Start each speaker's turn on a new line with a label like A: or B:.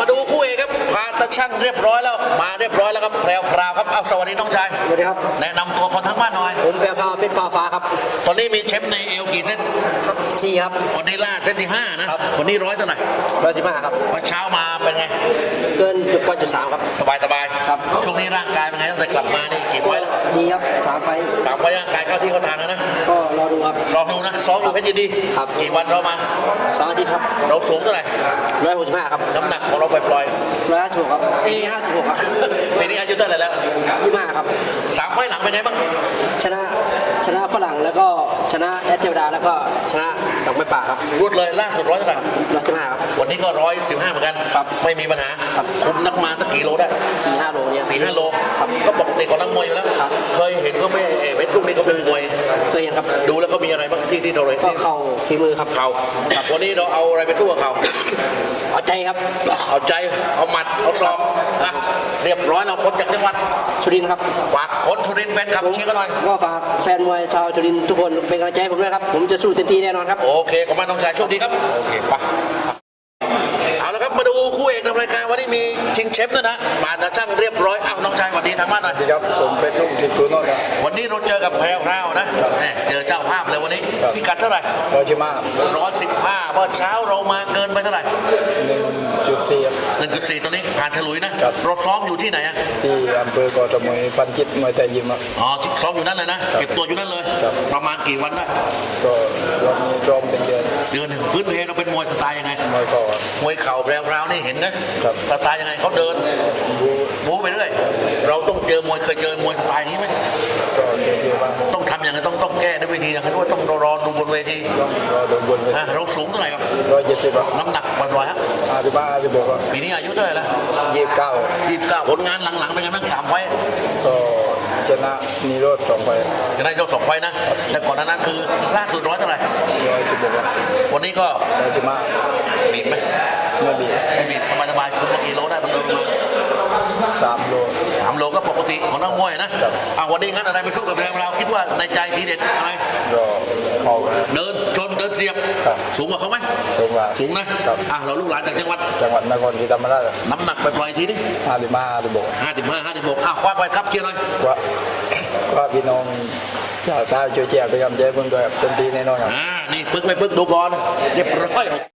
A: มาดูคู่เอกครับพาตะช่างเรียบร้อยแล้วมาเรียบร้อยแล้วครับแพรวพราวครับเอาสวัสดีน้องชาย
B: สวัสดีครับ
A: แนะนำตัวคนทั้งบ้านหน่อย
B: ผมแพรวพราวเพชรฟ้าครับ
A: ตอนนี้มีเชฟในเอวกี่เส้น
B: 4ครับ
A: วันนี้ล่าเส้นที่5นะวันนี้100เท่าไหร่
B: 115ครับ
A: วันเช้ามาเป็นไง
B: เกิน1.3ครับ
A: สบายครับช่วงนี้ร่างกายเป็นไงตั้งแต่กลับมานี่กี่ไฟแล้ว
B: ดีครับ3 ไฟ
A: ร่างกายเข้าที่เข้าทางแล้วนะ
B: ก็รอดูครับ
A: รอดูนะซ้อมอยู่เพชรยินดี
B: ครับ
A: กี่วันเรามา
B: 2 อาทิตย์ครับ
A: เราสูงเท่าไหร่
B: 165ครับ
A: น้ำหนักของเราปล่อย
B: 156ครับ56ครับ
A: ปีนี้อายุเท่าไหร่แล้ว
B: 25ครับ
A: 3 ไฟหลังเป็นไงบ้าง
B: ชนะฝรั่งแล้วก็ชนะแอตเทวดาแล้วก็ชนะดอกไม้ป่าครับ
A: รวดเลยล่าสุด100เท่าไหร่
B: 115ครับ
A: วันนี้ก็115เหมือนกัน
B: ครับ
A: ไม่มีปัญหาคุมนักมาตั้งกี่โลได้
B: 4-5 โลเนี่ย
A: 4-5 โล
B: ครับ
A: ก็ปกติของนักมวยอยู่แล้วเคยเห็นก็ไม่เพชรลูกนี้ก็เป็นมวย
B: เคยเห็นครับ
A: ดูแล้วเขามีอะไรบ้างที่เราเลย
B: ก็เข่าฝีมือครับ
A: เข่าวันนี้เราเอาอะไรไปสู้กับเข่า
B: เอาใจครับ
A: เอาใจเอาหมัดเอาศอกนะเรียบร้อยเราคนจากจังหวัด
B: สุรินทร์ครับ
A: ฝากคนสุรินทร์แฟนคลับเชียร์กันหน่อย
B: ก็ฝากแฟนมวยชาวสุรินทร์ทุกคนเป็นกำลังใจให้ผมด้วยครับผมจะสู้เต็มที่แน่นอนครับ
A: โอเคขอบคุณน้องชายโชคดีครับโอเคไปเอาละครับมาดูคู่เอกในรายการวันนี้มีชิงเชฟด้วยนะบาดช่างเรียบร้อยเอาน้องชายสวัสดีทางบ้านหน่อย
C: ครับผมเป็นลูกทีมทูโน่ครับ
A: วันนี้เราเจอกับแพรวพราวนะเจอเจ้าภาพเลยวันนี้พิกัดเท่าไหร่115เมื่อเช้าเรามาเกินไปเท่าไหร่1.4ตอนนี้ผ่านฉลุยนะเราซ้อมอยู่ที่ไหนอะ
C: ที่อำเภอกอทมปันจิตมวยไทยยิมครับ
A: อ๋อซ้อมอยู่นั่นเลยนะเก็บตัวอยู่นั่นเลยประมาณกี่วันได้
C: ก็วันนี้ซ้อมเป็นเดือน
A: หนึ่งพื้นเพเราเป็นมวยสไตล์ยังไง
C: มวยเข่า
A: แพรวนี่เห็นนะสไตล์ยังไงเขาเดินบู๊ไปเรื่อยเราต้องเจอมวยเคยเจอมวยสไตล์นี้ไหม
C: ก็เจอบ้าง
A: ต้องทำอย่างไรต้องแก้ด้วยวิธีอย่างไรด้วยต้องรอดูบนเวที
C: รอดูบนเวที
A: เราสูงเท่าไหร่ครับ
C: 170
A: น้ำหนักปล่อยๆฮะ
C: 56ปี
A: นี้อายุเท่าไหร่แล้ว
C: 29
A: ผลงานหลังๆเป็นไงบ้าง3 ไฟ
C: ก็ชนะนิโรธ2 ไฟ
A: ชนะนิโรธ2 ไฟนะและก่อนหน้านั้นคือล่าสุด100เท่าไหร่
C: 116
A: วันนี้ก็
C: 115
A: บีบไหม
C: ไม่บีบ
A: สบายคุมกี่โลได้ประมาณ
C: 3 โล
A: ก็ปกติของนักมวยนะวันนี้งั้นอะไรไปสู้กับเราคิดว่าในใจทีเด็ดอะไร
C: เขา
A: เดินชนเดินเสียบสูงกว่าเขาไหมสูงนะเราลูกหลานจากจังหวัด
C: นครศรีธรรมราช
A: น้ำหนักไปปล่อยทีนี้
C: 55
A: คว้าไปครับเชียร์เลย
C: ว่าพี่น้องชาวใต้ช่วยแจกไปกำใจเพิ่งด้วยเต็มที่แน่นอนครับ
A: นี่ปึ๊กไม่ปึ๊กดูก่อนเรียบร้อย